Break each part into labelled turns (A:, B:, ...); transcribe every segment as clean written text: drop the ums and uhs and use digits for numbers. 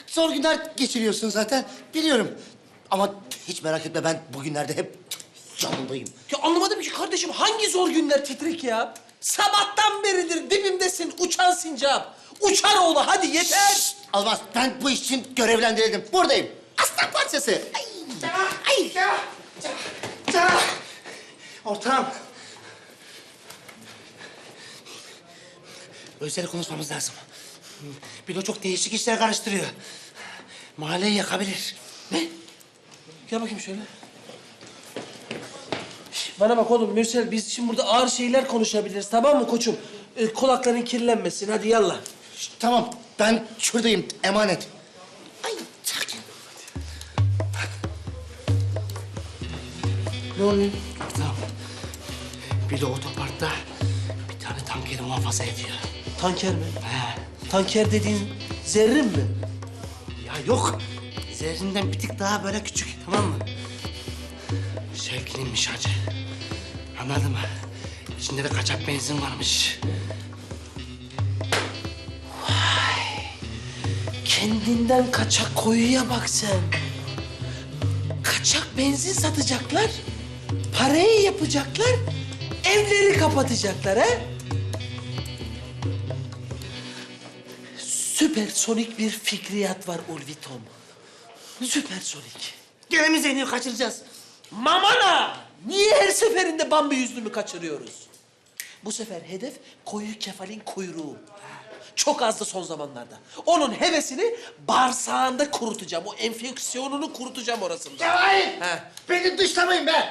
A: zor günler geçiriyorsun zaten. Biliyorum. Ama hiç merak etme, ben bugünlerde hep yanındayım.
B: Ya anlamadım ki kardeşim, hangi zor günler Titrek ya? Sabahtan beridir dibimdesin uçan sincap. Uçar oğlu, hadi yeter.
A: Şşt! Almaz, ben bu iş için görevlendirildim. Buradayım. Aslan parçası. Ay. Ay. Ortağım. Özel konuşmamız lazım. Bilo çok değişik işler karıştırıyor. Mahalleyi yakabilir.
B: Ne? Gel bakayım şöyle. Şş, bana bak oğlum Mürsel, biz şimdi burada ağır şeyler konuşabiliriz, tamam mı koçum? Kulakların kirlenmesin, hadi yallah.
A: Şşt, tamam, ben şuradayım. Emanet. Ay, sakin.
B: Ne oluyor?
A: Tamam. Bilo otoparkta bir tane tankeri muhafaza ediyor.
B: Tanker mi?
A: He.
B: Tanker dediğin zerrin mi?
A: Ya yok. Zerrinden bir tık daha böyle küçük, tamam mı? Şevki'ninmiş hacı. Anladın mı? İçinde de kaçak benzin varmış.
B: Kendinden kaçak koyuya bak sen. Kaçak benzin satacaklar, parayı yapacaklar, evleri kapatacaklar ha? Süpersonik bir fikriyat var Ulvitom. Süpersonik.
A: Gene mi Zeynep'i kaçıracağız?
B: Mamana! Niye her seferinde Bambi yüzlümü kaçırıyoruz? Bu sefer hedef koyu kefalin kuyruğu. Çok azdı son zamanlarda. Onun hevesini bağırsağında kurutacağım. O enfeksiyonunu kurutacağım orasında.
A: Cevahir!
B: He.
A: Beni dışlamayın be!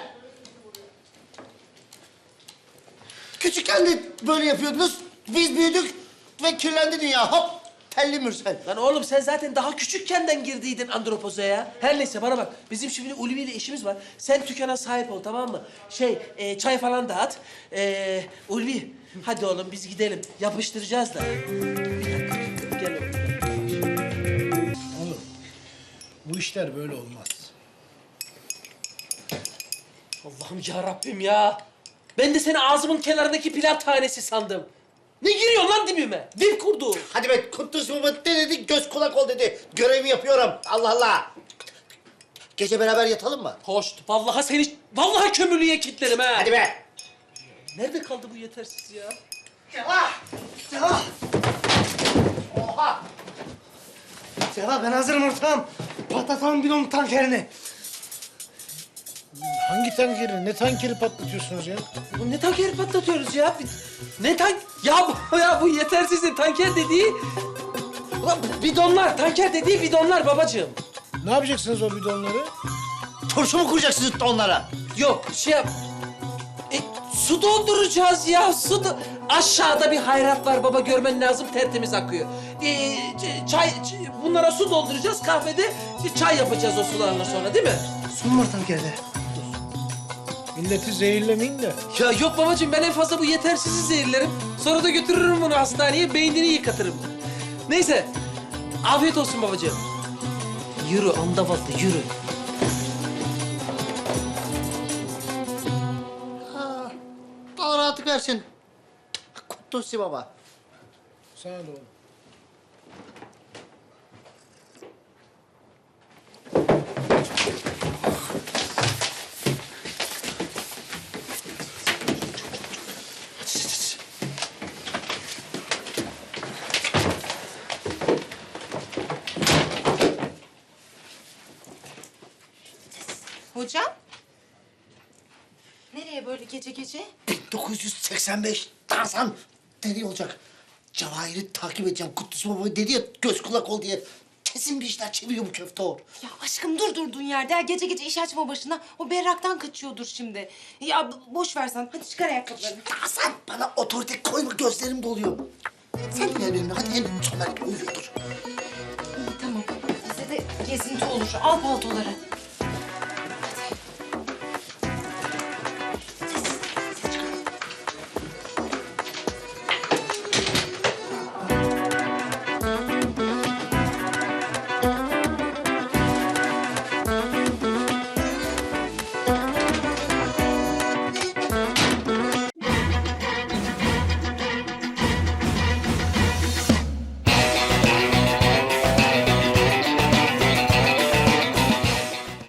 A: Küçükken de böyle yapıyordunuz. Biz büyüdük ve kirlendi dünya. Hop! Telli Mürsel.
B: Lan oğlum sen zaten daha küçükkenden girdiydin andropozaya. Her neyse bana bak. Bizim şimdi Ulvi ile işimiz var. Sen dükkana sahip ol, tamam mı? Çay falan dağıt. Ulvi hadi oğlum biz gidelim. Yapıştıracağız da. Bir dakika. Gel oğlum.
C: Oğlum, bu işler böyle olmaz.
B: Allah'ım ya Rabbim ya. Ben de seni ağzımın kenarındaki pilav tanesi sandım. Ne giriyorsun lan dibime? Dip kurdu.
A: Hadi be, Kutlusu Baba ne dedi? Göz kulak ol dedi. Görevimi yapıyorum. Allah Allah. Gece beraber yatalım mı?
B: Hoş. Vallahi kömürlüğe kilitlerim ha.
A: Hadi be.
B: Nerede kaldı bu yetersiz ya?
A: Cevah! Cevah! Oha! Cevah, ben hazırım ortağım. Patlatalım bir onun tankerini.
C: Hangi tankeri, ne tankeri patlatıyorsunuz ya?
B: Bu ne tanker patlatıyoruz ya? Ne tank... Ya bu yetersizin tanker dediği... Ulan bidonlar, tanker dediği bidonlar babacığım.
C: Ne yapacaksınız o bidonları?
A: Turşu mu kuracaksınız onlara?
B: Yok şey yap... Su dolduracağız ya, Aşağıda bir hayrat var baba, görmen lazım, tertemiz akıyor. Bunlara su dolduracağız, kahvede çay yapacağız o sularla sonra, değil mi?
A: Su mu var tankerde?
C: Milleti zehirlemeyin de.
B: Ya yok babacığım, ben en fazla bu yetersizi zehirlerim. Sonra da götürürüm bunu hastaneye, beynini yıkatırım. Neyse, afiyet olsun babacığım. Yürü andavallı, yürü.
A: Allah rahatlık versin. Kutlusu Baba.
C: Sana da oğlum.
D: Hocam? Nereye böyle gece gece?
A: 1985 Tarzan nereye olacak? Cevahir'i takip edeceğim. Kutlusu Baba dedi ya, göz kulak ol diye. Kesin bir işler çeviriyor bu köfteor.
D: Ya aşkım dur durduğun yerde. Ya gece gece iş açma başına. O berraktan kaçıyordur şimdi. Ya boş versen. Hadi çıkar ayakkabılarını.
A: Tarzan, bana otorite koyma, gözlerim doluyor. Sen de gel benimle, hadi hem onlar gibi uyuyordur.
D: İyi tamam. Bize de gezinti olur. Al paltoları.